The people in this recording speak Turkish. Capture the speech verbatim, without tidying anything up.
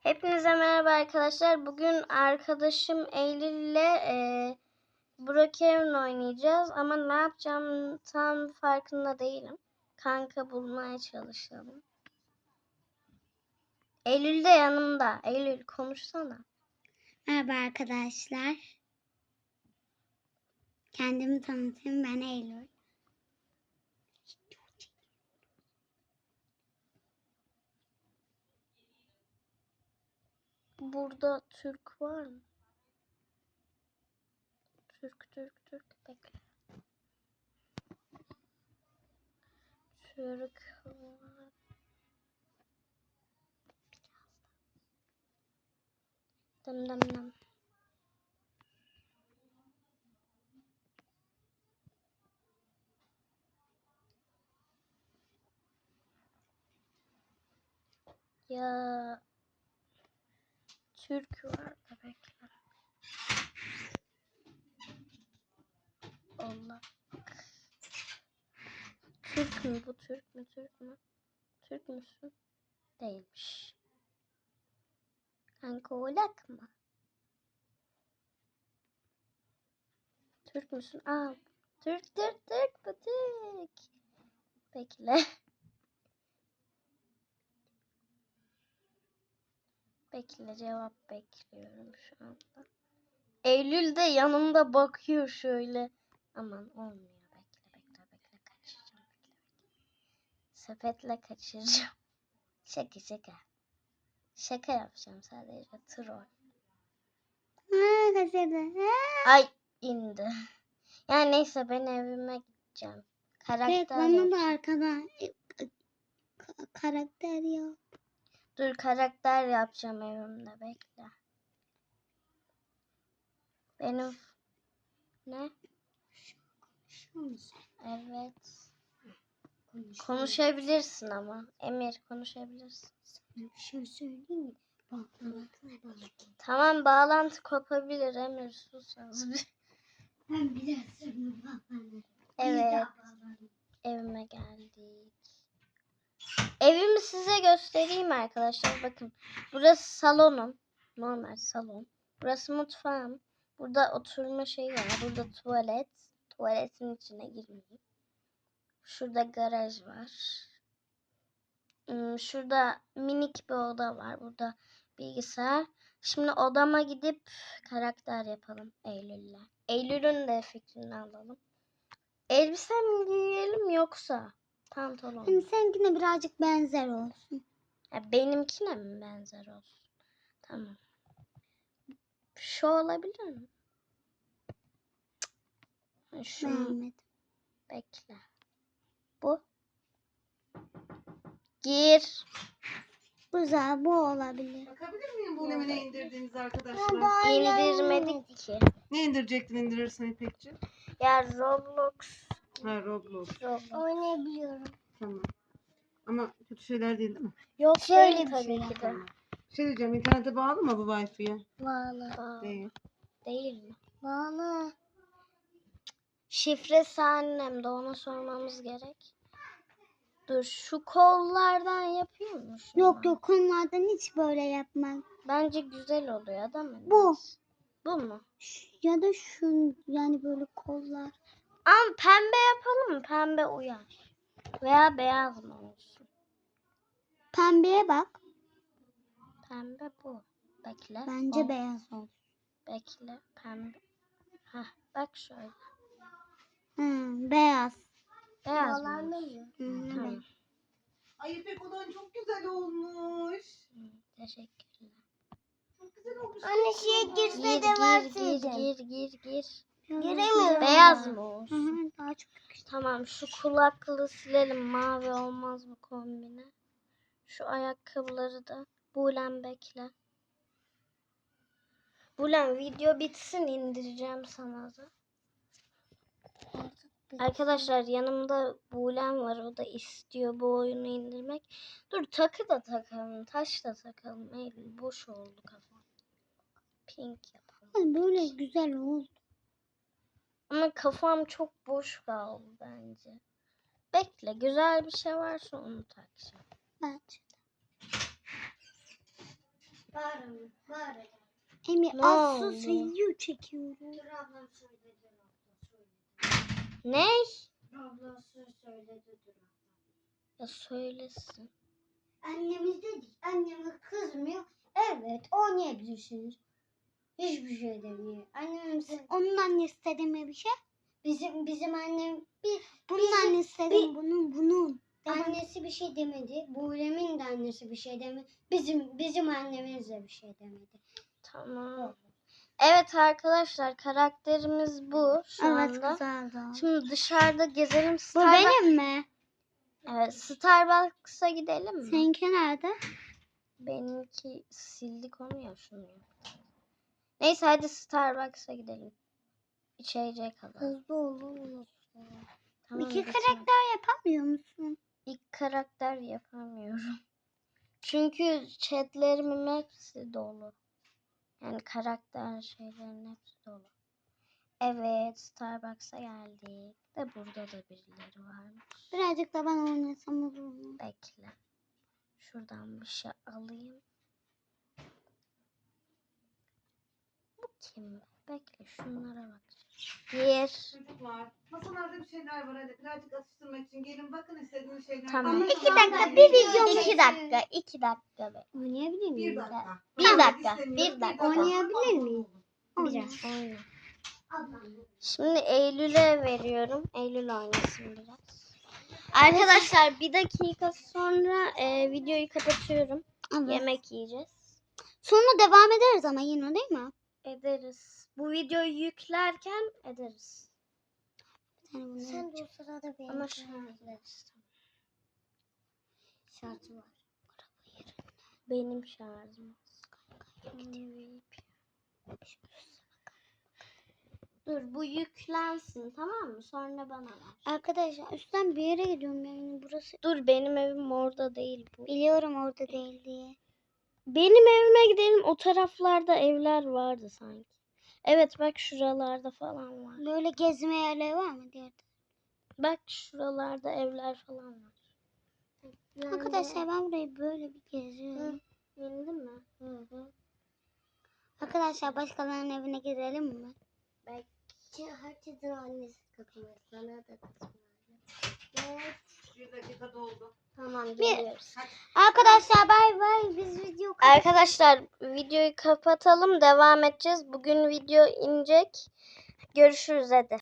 Hepinize merhaba arkadaşlar. Bugün arkadaşım Eylül ile e, Brookhaven oynayacağız. Ama ne yapacağım tam farkında değilim. Kanka bulmaya çalışalım. Eylül de yanımda. Eylül konuşsana. Merhaba arkadaşlar. Kendimi tanıtayım. Ben Eylül. Burada Türk var mı? Türk, Türk, Türk. Bekle. Türk var. Dım dım dım. Ya Türk var da bekle. Allah. Türk mü bu? Türk mü? Türk mü? Türk müsün? Değilmiş. Kanka oğlak mı? Türk müsün? Aa, Türk, Türk, Türk, bu Türk. Bekle. Bekle, cevap bekliyorum şu anda. Eylül de yanımda bakıyor şöyle. Aman olmuyor. Bekle, bekle, bekle. Kaçıracağım. Bekle, bekle. Sepetle kaçıracağım. Şaka, şaka. Şaka yapacağım sadece. Troll. Aa, kaçırdı. Ay indi. Yani neyse ben evime gideceğim. Karakter Evet, bana yapacağım. da arkadan ka- karakter yap. Dur karakter yapacağım evimde bekle. Benim ne? Evet. Konuşabilirsin ama. Emir konuşabilirsin. Bir şey söyleyeyim mi? Bak, bak, bak. Tamam bağlantı kopabilir Emir sus az bir. Ben biraz sonra bağlanırım. Evet. Evime geldik. Evimi size göstereyim arkadaşlar. Bakın. Burası salonum. Normal salon. Burası mutfağım. Burada oturma şeyi var. Burada tuvalet. Tuvaletin içine girmeyeyim. Şurada garaj var. Şurada minik bir oda var. Burada bilgisayar. Şimdi odama gidip karakter yapalım Eylül'le. Eylül'ün de fikrini alalım. Elbise mi giyelim yoksa pantolon Hani mu? seninkine birazcık benzer olsun. Ya benimkine mi benzer olsun? Tamam. Şu olabilir mi? Şu Beğenmedim. bekle. Bu. Gir. Güzel, bu olabilir. Bakabilir miyim bu ne indirdiğiniz arkadaşlar? İndirmedik ki. Ne indirecektin indirirsen İpekçi? Ya Roblox. Ha Roblox. Roblox. Oynayabiliyorum. Tamam. Ama kötü şeyler değil değil mi? Yok Şöyle değil bir tabii şey ki de. Tamam. Bir şey diyeceğim, internete bağlı mı bu Wi-Fi'ye? Bağlı. Aa, Değil. değil mi? Bağlı. Şifresi annemde, ona sormamız gerek. Dur şu kollardan yapıyor musun? Yok yok, konulardan hiç böyle yapmam. Bence güzel oluyor değil mi? Bu. Bu mu? Ş- Ya da şu, yani böyle kollar. Ama pembe yapalım mı? Pembe uyar. Veya beyaz mı olsun? Pembeye bak. Pembe bu. Bekle. Bence O. beyaz olsun. Bekle. Pembe. Hah bak şöyle. Hı, beyaz. Beyaz mı olsun? Hı, Tamam. evet. Ay İpek olan çok güzel olmuş. Hı, teşekkürler. Çok güzel olmuş. Anne şeye Gir girse de gir verseydin. gir gir gir gir. Giremiyorum. Beyaz mı Hı olsun? hı, daha çok yakıştı. Tamam şu kulaklığı silelim. Mavi olmaz bu kombine. Şu ayakkabıları da. Bulen bekle. Bulen video bitsin indireceğim sana da. Arkadaşlar yanımda Bulen var. O da istiyor bu oyunu indirmek. Dur takı da takalım. Taş da takalım. Eylül boş oldu kafam. Pink yapalım. Ay, böyle güzel oldu. Ama kafam çok boş kaldı bence. Bekle güzel bir şey varsa onu takacağım. Bence. bağırma. Bağıracağım. Emir Ne az oldu? sus video çekiyorum. Dur ablam söyledi. Abla söyledi. Ne? Abla söz söyledi. Dur abla. Ya söylesin. Annemiz dedik. Anneme kızmıyor. Evet oynayabilirsiniz. Hiçbir şey demiyor. Annemiz onun annesi de demiyor bir şey. Bizim bizim annem bir bunun annesi de demiyor. Bunun bunun. Annesi bir şey demedi. Buğrem'in de annesi bir şey demedi. Bizim bizim annemiz de bir şey demedi. Tamam. Evet arkadaşlar karakterimiz bu şu anda. güzeldi. Şimdi dışarıda gezelim. Bu Starbucks... benim mi? Evet, Starbucks'a gidelim mi? Seninki nerede? Benimki sildik onu ya şunu. Neyse hadi Starbucks'a gidelim. İçecek alalım. Hızlı olur. Tamam, İki geçelim. karakter yapamıyor musun? İlk karakter yapamıyorum. Çünkü chatlerimin hepsi dolu. Yani karakter şeylerin hepsi dolu. Evet, Starbucks'a geldik. De burada da birileri varmış. Birazcık da ben oynasam olur mu? Bekle. Şuradan bir şey alayım. Bu kim? Bekle şunlara bak. Bir. Çocuklar masalarda bir şeyler var. Hadi birazcık atıştırmak için gelin bakın istediğiniz şeyler. Tamam. var. İki dakika, bir video İki dakika, iki dakika be. Oynayabilir miyim? Bir dakika. Bir Tamam, dakika, istemiyoruz. bir dakika. Oynayabilir miyim? Biraz oyna. Şimdi Eylül'e veriyorum. Eylül oynasın biraz. Arkadaşlar bir dakika sonra e, videoyu kapatıyorum. Evet. Yemek yiyeceğiz. Sonra devam ederiz ama yine değil mi? Ederiz. Bu videoyu yüklerken ederiz. Yani Sen de o sırada benim Ama şu an ederiz. şartı var. Benim şarjım. Dur bu yüklensin tamam mı? Sonra bana ver. Arkadaşlar üstten bir yere gidiyorum yani burası. Dur benim evim orada değil bu. Biliyorum orada değil diye. Benim evime gidelim. O taraflarda evler vardı sanki. Evet bak şuralarda falan var. Böyle gezme yerleri var mı diğer? Bak şuralarda evler falan var. Yani... Arkadaşlar ben burayı böyle bir geziyorum. Bildin mi? Hı hı. Arkadaşlar başkalarının evine gidelim mi? Belki herkesin annesi katılıyor. Sana da katılıyor. Evet. Bir dakika doldu. Tamam geliyoruz. Arkadaşlar bay bay biz video Arkadaşlar videoyu kapatalım. Devam edeceğiz. Bugün video inecek. Görüşürüz hadi.